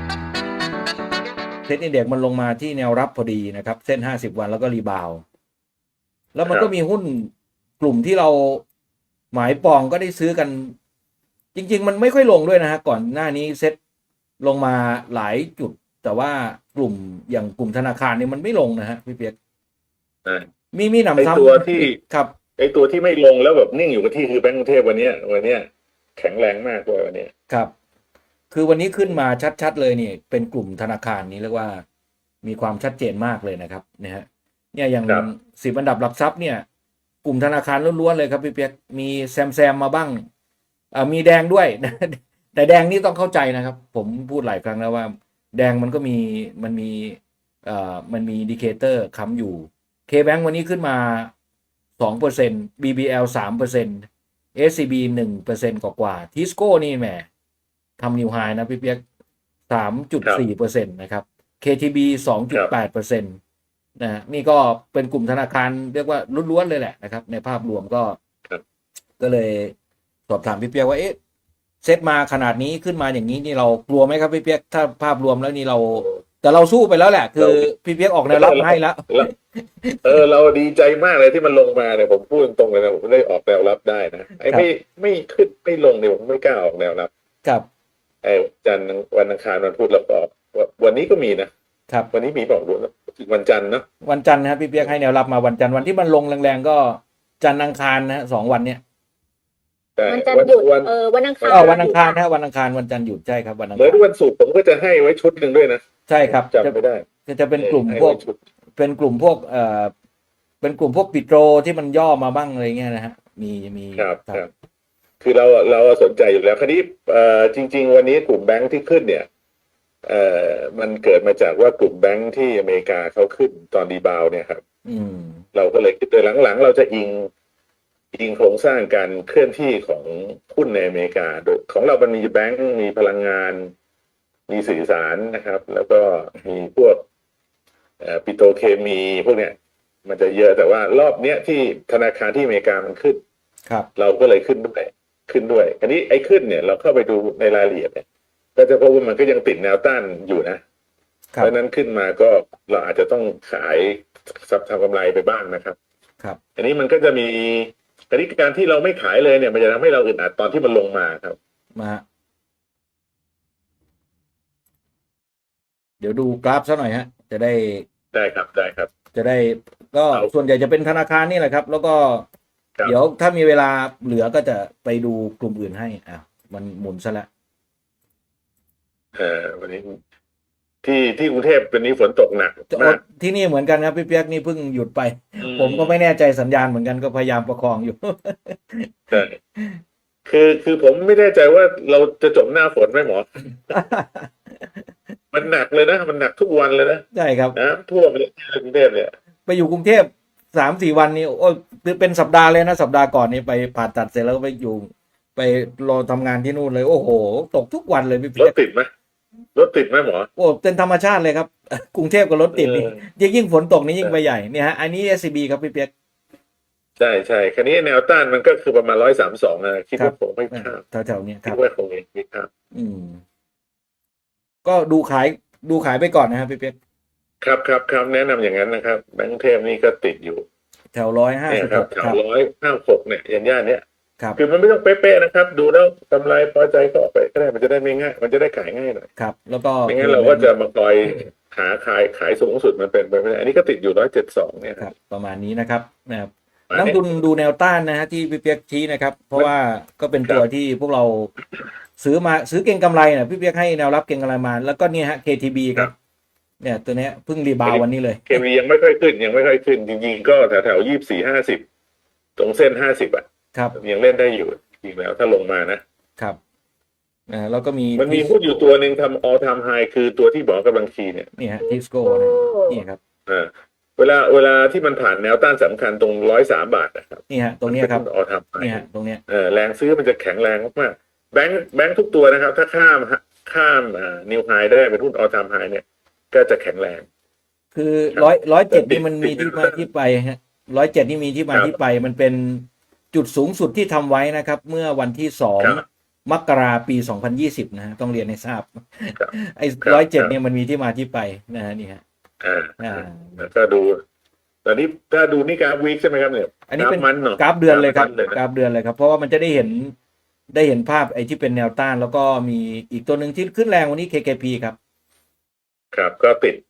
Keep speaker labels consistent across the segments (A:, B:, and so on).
A: เซ็ตอินเด็กซ์มันลงมาที่แนวรับพอดีนะครับเส้น50วันแล้วก็รีบาวด์แล้วมันก็มีหุ้นกลุ่มที่เราหมายปองก็ได้ซื้อกันจริงๆมันไม่ค่อยลงด้วยนะฮะก่อนหน้านี้เซ็ตลงมาหลายจุดแต่ว่ากลุ่มอย่างกลุ่มธนาคารเนี่ยมันไม่ลงนะฮะพี่เปียกมีหนำซ้ำ
B: ตัวที่
A: ครับ
B: ไอตัวที่ไม่ลงแล้วแบบนิ่งอยู่กับที่คือแบงก์กรุงเทพวันเนี้ยแข็งแรงมากด้วยวันนี้
A: ครับคือวันนี้ขึ้นมาชัดๆเลยนี่เป็นกลุ่มธนาคารนี้เรียกว่ามีความชัดเจนมากเลยนะครับเนี่ยฮะเนี่ยอย่าง10 อันดับหลักทรัพย์เนี่ยกลุ่มธนาคารล้วนๆเลยครับพี่เปียกมีแซมมาบ้างมีแดงด้วยแต่แดงนี่ต้องเข้าใจนะครับผมพูดหลายครั้งแล้วว่าแดงมันก็มีอินดิเคเตอร์ค้ำอยู่ KBank วันนี้ขึ้นมา 2% BBL 3% SCB 1%กว่าๆ Tisco นี่แหมทำนิวไฮนะพี่เปียก 3.4% นะครับ KTB 2.8%นะนี่ก็เป็นกลุ่มธนาคารเรียกว่าล้วนๆเลยแหละนะครับในภาพรวมก็เลยสอบถามพี่เปียกว่าเซตมาขนาดนี้ขึ้นมาอย่างนี้นี่เรากลัวไหมครับพี่เปียกถ้าภาพรวมแล้วนี่เราแต่เราสู้ไปแล้วแหละคือพี่เปียกออกแนวรับให้แล้ว
B: เราดีใจมากเลยที่มันลงมาเนี่ยผมพูดตรงๆเลยนะผมได้ออกแนวรับได้นะไอ้ไม่ขึ้นไม่ลงเนี่ยผมไม่กล้าออกแนวรับ
A: ครับ
B: ไอ้วันอังคารวันพุธเราออกวันนี้ก็มีนะครับวันนี้มีบอกด้วยวันจันทร์เนาะ
A: วันจันทร์นะครับพี่เปียกให้แนวรับมาวันจันทร์วันที่มันลงแรงๆก็จันทร์อังคารนะ2 วันเนี้ย
C: วันจันทร์หยุดวันอังคาร
A: วันอังคารนะวันอังคารวันจันทร์หยุดใช่ครับวันอังคาร
B: เหมือนวันศุกร์ผมก็จะให้ไว้ชุดหนึ่งด้วยนะ
A: ใช่ครับ
B: จำไม่ได้
A: จะเป็นกลุ่มพวกเป็นกลุ่มพวกเป็นกลุ่มพวกปิโตรที่มันย่อมาบ้างอะไรเงี้ยนะฮะมี
B: ครับคือเราสนใจอยู่แล้วคราวนี้จริงๆวันนี้กลุ่มแบงค์ที่ขึ้นเนี่ยมันเกิดมาจากว่ากลุ่มแบงค์ที่อเมริกาเขาขึ้นตอนรีบาวเนี่ยครับเราก็เลยคิดโดยหลังๆเราจะอิงโครงสร้างการเคลื่อนที่ของหุ้นในอเมริกาโดยของเรามันมีแบงค์มีพลังงานมีสื่อสารนะครับแล้วก็มีพวกปิโตรเคมีพวกเนี้ยมันจะเยอะแต่ว่ารอบเนี้ยที่ธนาคารที่อเมริกามันขึ้นเราก็เลยขึ้นด้วยอันนี้ไอ้ขึ้นเนี่ยเราเข้าไปดูในรายละเอียดเนี่ยก็จะพบว่ามันก็ยังติดแนวต้านอยู่นะเพราะนั้นขึ้นมาก็เราอาจจะต้องขายทำกำไรไปบ้างนะครับอันนี้มันก็จะมีการที่เราไม่ขายเลยเนี่ยมันจะทำให้เราอึดอัดตอนที่มันลงมาครับ
A: เดี๋ยวดูกราฟซะหน่อยฮะจะได้
B: ครับ
A: จะได้ก็ส่วนใหญ่จะเป็นธนาคารนี่แหละครับแล้วก็เดี๋ยวถ้ามีเวลาเหลือก็จะไปดูกลุ่มอื่นให้มันหมุนซะแล้ว
B: วันนี้ที่กรุงเทพวันนี้ฝนตกหนักมาก
A: ที่นี่เหมือนกันครับพี่เปียกนี่เพิ่งหยุดไปผมก็ไม่แน่ใจสัญญาณเหมือนกันก็พยายามประคองอยู่
B: ใช่คือผมไม่แน่ใจว่าเราจะจบหน้าฝนไหมหมอมันหนักเลยนะมันหนักทุกวันเลยนะ
A: ใช่ครับ
B: นะทั่วไปเลยที่กรุงเทพเนี่ย
A: ไปอยู่กรุงเทพ3-4 วันนี้โอ้เป็นสัปดาห์เลยนะสัปดาห์ก่อนนี้ไปผ่าตัดเสร็จแล้วไปอยู่ไปรอทำงานที่นู่นเลยโอ้โหตกทุกวันเลยพี่เปียก
B: รถติดไหมหมอ
A: โอ้เป็นธรรมชาติเลยครับกรุงเทพกับรถติดนี่ยิ่งฝนตกนี่ยิ่งไปใหญ่เนี่ยฮะอันนี้ SCB ครับพี่เปียก
B: ใช่คราวนี้แนวต้านมันก็คือประมาณ132นะคิดว่าผมไม่ข้าม
A: แถวๆนี้ค
B: รั
A: บ
B: คิดว่าคงไม่ข้าม
A: ก็ดูขายไปก่อนนะครับพี่เปียก
B: ครับแนะนำอย่างนั้นนะครับแบงก์เทพนี่ก็ติดอยู่
A: แถว156
B: แถว156เนี่ยย่านเนี้ย
A: ครับ
B: คือมันไม่ต้องเป๊ะๆนะครับดูแล้วกำไรพอใจก็ออกไปก็ได้มันจะได้ไม่ง่ายมันจะได้ขายง่ายหน่อย
A: ครับแล้วก็
B: ไม่งั้นเราก็จะมาคอยหาขายสูงสุดมันเป็นไปไม่ได้อันนี้ก็ติดอยู่172เนี่ย
A: ครับประมาณนี้นะครับนักทุนดูแนวต้านนะฮะที่พี่เปียกชี้นะครับเพราะว่าก็เป็นตัวที่พวกเราซื้อเก็งกำไรนะพี่เปียกให้แนวรับเก็งกำไรมาแล้วก็เนี่ยฮะ KTB ครับเนี่ยตัวนี้เพิ่งรีบาววันนี้เลย
B: KTB ยังไม่ค่อยขึ้นจริงๆก็แถว24-50ตรงเส้น50
A: ครับ
B: ยังเล่นได้อยู่จริงแล้วถ้าลงมานะครับ
A: แล้วก็
B: มันมีหุ้นอยู่ตัวหนึ่งทำ all time high คือตัวที่บอกกำลังคีเนี่ย
A: นี่ฮะทิสโก้นี่ครับ
B: เวลาที่มันผ่านแนวต้านสำคัญตรง103 บาทนะครับ
A: นี่ฮะตรงนี้ครับ
B: all time high
A: นี่ฮะตรงเนี้ย
B: แรงซื้อมันจะแข็งแรงมากๆแบงค์ทุกตัวนะครับถ้าข้ามนิวไฮได้เป็นหุ้น all time high เนี่ยก็จะแข็งแรง
A: คือ107นี่มันมีที่มาที่ไปฮะ107นี่มีที่มาที่ไปมันเป็นจุดสูงสุดที่ทำไว้นะครับเมื่อวันที่มกราปี 2020 นะฮะต้องเรียนให้ทราบ
B: ครับ
A: ไอ้
B: ครับ
A: 107เนี่ยมันมีที่มาที่ไปนะฮะนี่ฮะ
B: อ่าแล้วก็ดูตอนนี้ถ้าดูนี่กราฟวีคใช่ไหมครับเนี่ย
A: อันนี้เป็น
B: มันเนาะ
A: กราฟเดือนเลยครับ
B: มันเลยนะ
A: กราฟเดือนเลยครับเพราะว่ามันจะได้เห็นภาพไอ้ที่เป็นแนวต้านแล้วก็มีอีกตัวหนึ่งที่ขึ้นแรงวันนี้ KKP ครับ
B: ครับก็ติด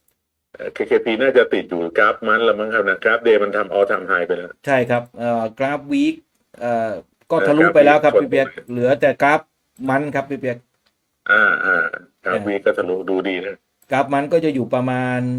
B: KKP น่าจะติดอยู่กราฟมันแล้วมั้งครับนะกราฟเดย์มันทำออทำไฮไปแล้ว
A: ใช่ครับกราฟวีคก็ทะลุไปแล้วครับพี่เปียกเหลือแต่กราฟมันครับพี่เปียก
B: กราฟวีคก็ทะลุดูดีนะ
A: กราฟมันก็จะอยู่ประมาณ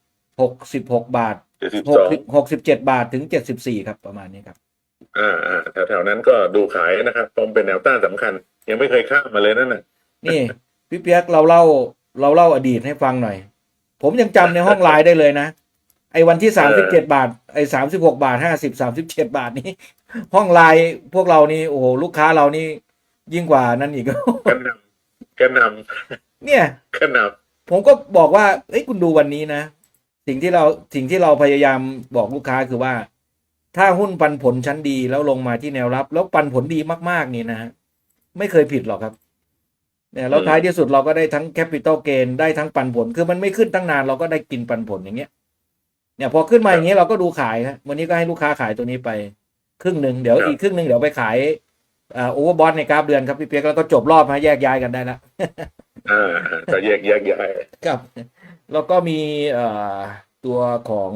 A: 66 บาท
B: 72
A: 67 บาทถึง74ครับประมาณนี้ครับ
B: แถวๆนั้นก็ดูขายนะครับตรงเป็นแนวต้านสำคัญ ยังไม่เคยข้ามมาเลยนั่นน่ะ
A: นี่พี่เปียกเราเล่าอดีตให้ฟังหน่อย ผมยังจำในห้องไลน์ได้เลยนะไอ้วันที่37 บาทไอ้36 บาท50 37 บาทนี้ ห้องไลน์พวกเรานี่โอ้โหลูกค้าเรานี่ยิ่งกว่านั้นอีก
B: กระหน
A: เนี่ย
B: ำกระหน
A: ผมก็บอกว่าเอ้ยคุณดูวันนี้นะ สิ่งที่เราพยายามบอกลูกค้าคือว่า ถ้าหุ้นปันผลชั้นดีแล้วลงมาที่แนวรับ แล้วปันผลดีมากๆนี่นะฮะไม่เคยผิดหรอกครับเนี่ยแล้วท้ายที่สุดเราก็ได้ทั้งแคปิตอลเกนได้ทั้งปันผลคือมันไม่ขึ้นตั้งนานเราก็ได้กินปันผลอย่างเงี้ยเนี่ยพอขึ้นมาอย่างเงี้ยเราก็ดูขายครับวันนี้ก็ให้ลูกค้าขายตัวนี้ไปครึ่งหนึ่งเดี๋ยวอีกครึ่งหนึ่งเดี๋ยวไปขายโอเวอร์บอทในกราฟเดือนครับพี่เปียกแล้วก็จบรอบมาแยกย้ายกันได้ละ
B: ก็แยกย้าย
A: ครับแล้วก็มีตัวของ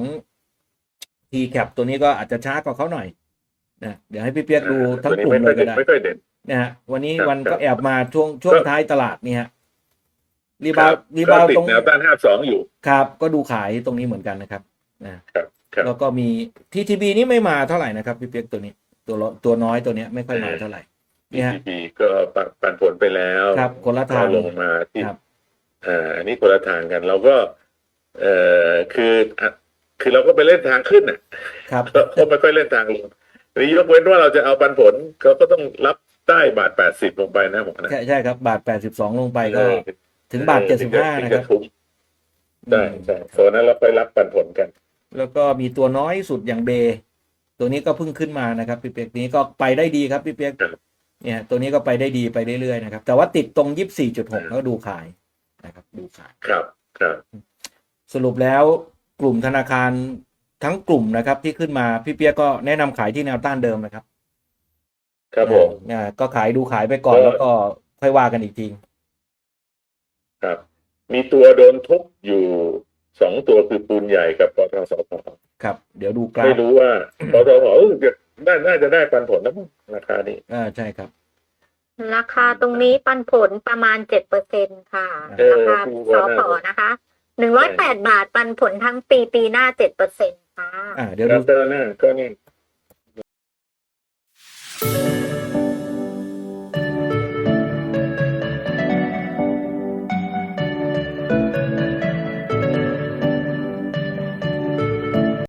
A: TCAP ตัวนี้ก็อาจจะช้ากว่าเขาหน่อยนะเดี๋ยวให้พี่เปียกดูทั้งกลุ่มเลยก็ได้
B: ไม่ค่อยเด่น
A: นะฮะวันนี้
B: ครับ
A: วัน
B: ครั
A: ก็
B: บ
A: แอบมาช่วงท้ายตลาดนี่ฮะรีบาว
B: ก็ติด
A: ตรง
B: แนวต้าน52อยู่
A: ครับก็ดูขายตรงนี้เหมือนกันนะครับนะครับ
B: ครับ
A: แล้วก็มี TTB นี่ไม่มาเท่าไหร่นะครับพี่เปียกตัวนี้ตัวน้อยตัวเนี้ยไม่ค่อยมาเท่าไหร่นี่ฮะ
B: BTP ก็ปันผลไปแล้ว
A: ครับคนละทาง
B: ก็ลงมาที่
A: ครับ
B: อันนี้คนละทางกัน เราก็คือเราก็ไปเล่นทางขึ้นน่ะ
A: ครับ
B: เขาไม่ค่อยเล่นทางลงนี่ยกเว้นว่าเราจะเอาปันผลเขาก็ต้องรับใต้บาท80ลงไปนะผมนะ
A: ใช่ครับบาท82ลงไปก็ถึงบาท75นะครับ
B: ใช่โซนนั้นเราไปรับปันผลกัน
A: แล้วก็มีตัวน้อยสุดอย่างเบตัวนี้ก็เพิ่งขึ้นมานะครับพี่เปียกนี้ก็ไปได้ดีครับพี่เปียก
B: ครับ
A: เนี่ยตัวนี้ก็ไปได้ดีไปเรื่อยๆนะครับแต่ว่าติดตรง 24.6แล้วดูขายนะครับดูขาย
B: ครับ
A: สรุปแล้วกลุ่มธนาคารทั้งกลุ่มนะครับที่ขึ้นมาพี่เปียกก็แนะนำขายที่แนวต้านเดิมนะครับ
B: ครับผม
A: ก็ขายดูขายไปก่อนแล้วก็ค่อยว่ากันอีกที
B: ครับ มีตัวโดนทุบอยู่2ตัวคือปูนใหญ่กับปตทสผ
A: ครับเดี๋ยวดูกรา
B: ไม่
A: ฟ
B: รู้ว่าปตทน่าจะได้ปันผลนะมั้งราคานี้
A: ใช่ครับ
C: ราคาตรงนี้ปันผลประมาณ7%ค่ะ ราคาสผนะคะ108 บาทปันผลทั้งปีหน้า7%ค่ะ
A: เดี๋ยว
B: ครั
A: ดู
B: บเตอร์หน้าก็นี่